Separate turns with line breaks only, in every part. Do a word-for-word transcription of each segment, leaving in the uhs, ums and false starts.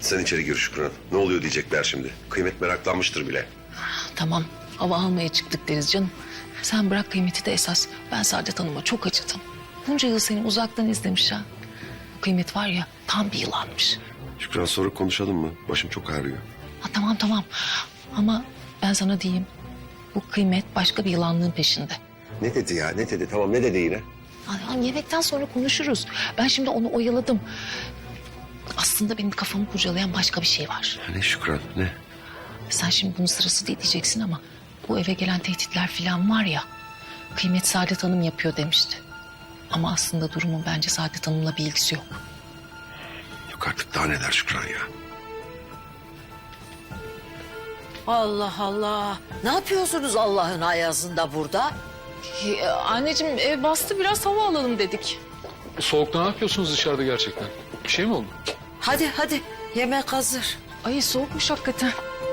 Sen içeri gir Şükran. Ne oluyor diyecekler şimdi. Kıymet meraklanmıştır bile.
Tamam, hava almaya çıktık deriz canım. Sen bırak Kıymet'i de esas. Ben Saadet Hanım'a çok acıdım. Bunca yıl seni uzaktan izlemiş ha. Kıymet var ya, tam bir yılanmış.
Şükran sonra konuşalım mı? Başım çok ağrıyor.
Ha, tamam tamam. Ama ben sana diyeyim. Bu Kıymet başka bir yılanlığın peşinde.
Ne dedi ya? Ne dedi? Tamam ne dedi yine?
Ay, yemekten sonra konuşuruz. Ben şimdi onu oyaladım. Aslında benim kafamı kurcalayan başka bir şey var.
Ne Şükran ne?
Sen şimdi bunun sırası değil diyeceksin ama... bu eve gelen tehditler falan var ya... Kıymet Saadet Hanım yapıyor demişti. Ama aslında durumun bence Saadet Hanım'la bir ilgisi yok.
Yok artık daha neler Şükran ya.
Allah Allah. Ne yapıyorsunuz Allah'ın ayazında burada?
Ee, anneciğim ev bastı, biraz hava alalım dedik.
Soğukta ne yapıyorsunuz dışarıda gerçekten? Bir şey mi oldu?
Hadi hadi yemek hazır.
Ay soğukmuş hakikaten.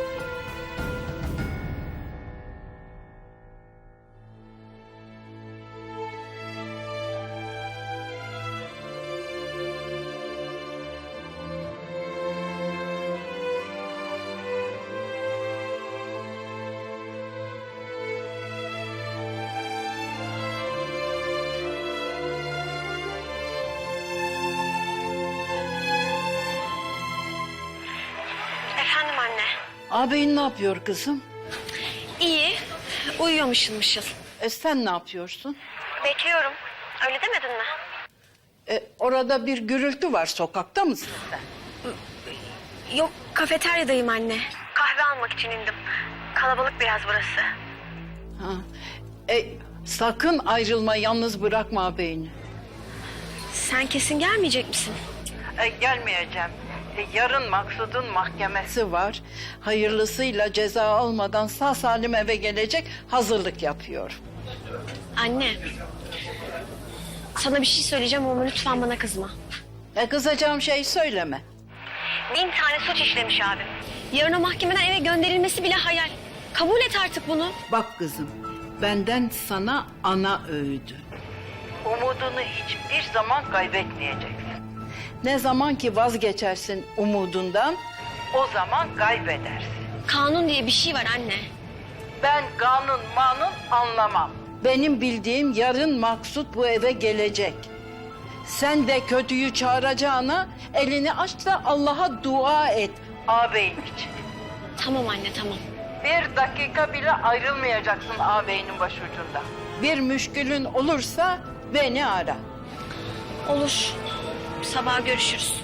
Efendim anne.
Ağabeyin ne yapıyor kızım?
İyi. Uyuyor mışıl mışıl.
E sen ne yapıyorsun?
Bekliyorum. Öyle demedin mi?
E, orada bir gürültü var, sokakta mısın sen?
Yok, kafeteryadayım anne. Kahve almak için indim. Kalabalık biraz burası.
Ha. E, sakın ayrılma, yalnız bırakma ağabeyini.
Sen kesin gelmeyecek misin?
E, gelmeyeceğim. E, yarın Maksud'un mahkemesi var. Hayırlısıyla ceza almadan sağ salim eve gelecek, hazırlık yapıyor.
Anne. Sana bir şey söyleyeceğim ama lütfen bana kızma.
E, kızacağım şey söyleme.
Bin tane suç işlemiş abim. Yarın o mahkemeden eve gönderilmesi bile hayal. Kabul et artık bunu.
Bak kızım, benden sana ana öğüdü. Umudunu hiçbir zaman kaybetmeyeceksin. Ne zaman ki vazgeçersin umudundan, o zaman kaybedersin.
Kanun diye bir şey var anne.
Ben kanun manun anlamam. Benim bildiğim yarın Maksut bu eve gelecek. Sen de kötüyü çağıracağına elini aç da Allah'a dua et ağabeyin için.
Tamam anne, tamam.
Bir dakika bile ayrılmayacaksın ağabeyinin başucunda. Bir müşkülün olursa beni ara.
Olur. Sabah görüşürüz.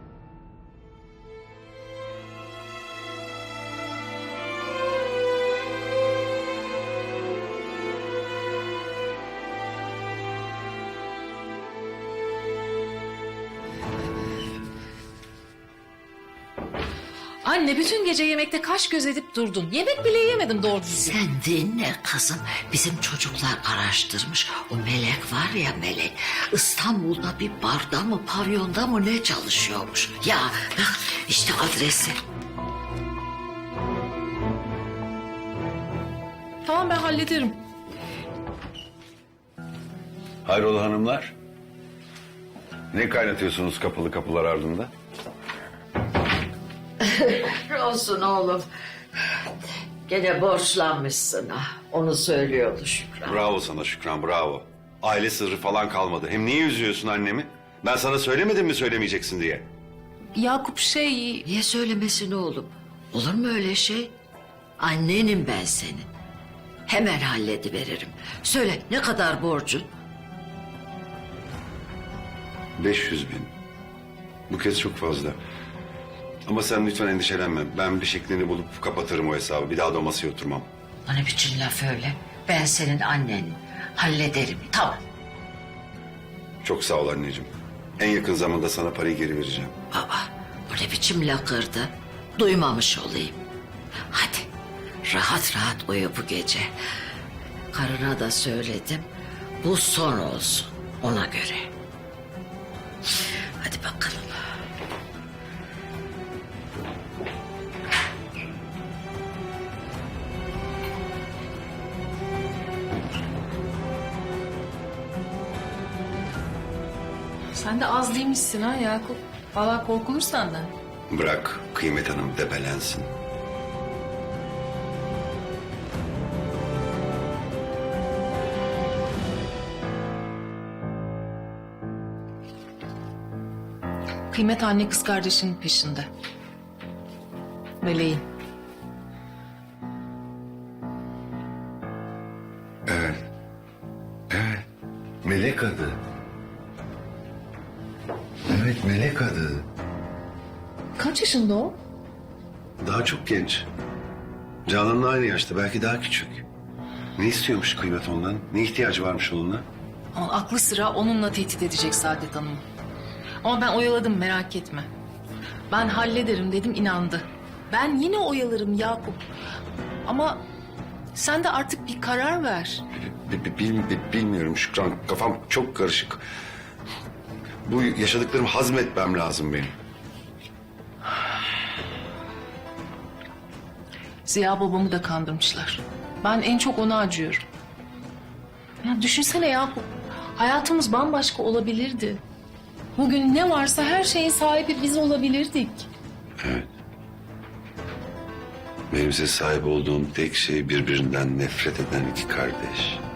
Anne bütün gece yemekte kaş göz edip durdun. Yemek bile yemedim doğru düzgün.
Sen dinle kızım. Bizim çocuklar araştırmış. O Melek var ya Melek. İstanbul'da bir barda mı pavyonda mı ne çalışıyormuş. Ya bak işte adresi.
Tamam ben hallederim.
Hayrola hanımlar? Ne kaynatıyorsunuz kapılı kapılar ardında?
Olsun oğlum. Gene borçlanmışsın ha. Onu söylüyordu Şükran.
Bravo sana Şükran bravo. Aile sırrı falan kalmadı. Hem niye üzüyorsun annemi? Ben sana söylemedim mi söylemeyeceksin diye?
Yakup şey...
Niye söylemesin oğlum? Olur mu öyle şey? Annenim ben senin. Hemen hallediveririm. Söyle ne kadar borcun?
beş yüz bin. Bu kez çok fazla. Ama sen lütfen endişelenme. Ben bir şeklini bulup kapatırım o hesabı. Bir daha da masaya oturmam.
O ne biçim laf öyle? Ben senin annenim. Hallederim. Tamam.
Çok sağ ol anneciğim. En yakın zamanda sana parayı geri vereceğim.
Aa, o ne biçim lakırdı? Duymamış olayım. Hadi rahat rahat uyu bu gece. Karına da söyledim. Bu son olsun ona göre. Hadi bakalım.
Sen de az değilmişsin ha Yakup. Vallahi korkulur senden.
Bırak Kıymet Hanım debelensin.
Kıymet anne kız kardeşinin peşinde. Meleğin.
Evet. Evet. Melek adı. Evet, melek adı.
Kaç yaşında o?
Daha çok genç. Canan'la aynı yaşta, belki daha küçük. Ne istiyormuş Kıymet ondan? Ne ihtiyacı varmış onunla?
Ama aklı sıra onunla tehdit edecek Saadet Hanım'ı. Ama ben oyaladım, merak etme. Ben hallederim dedim, inandı. Ben yine oyalarım Yakup. Ama sen de artık bir karar ver.
Bi- bi- bil- bi- bilmiyorum Şükran, kafam çok karışık. Bu yaşadıklarımı hazmetmem lazım benim.
Ziya babamı da kandırmışlar. Ben en çok ona acıyorum. Ya düşünsene Yakup. Hayatımız bambaşka olabilirdi. Bugün ne varsa her şeyin sahibi biz olabilirdik.
Evet. Benim size sahip olduğum tek şey birbirinden nefret eden iki kardeş.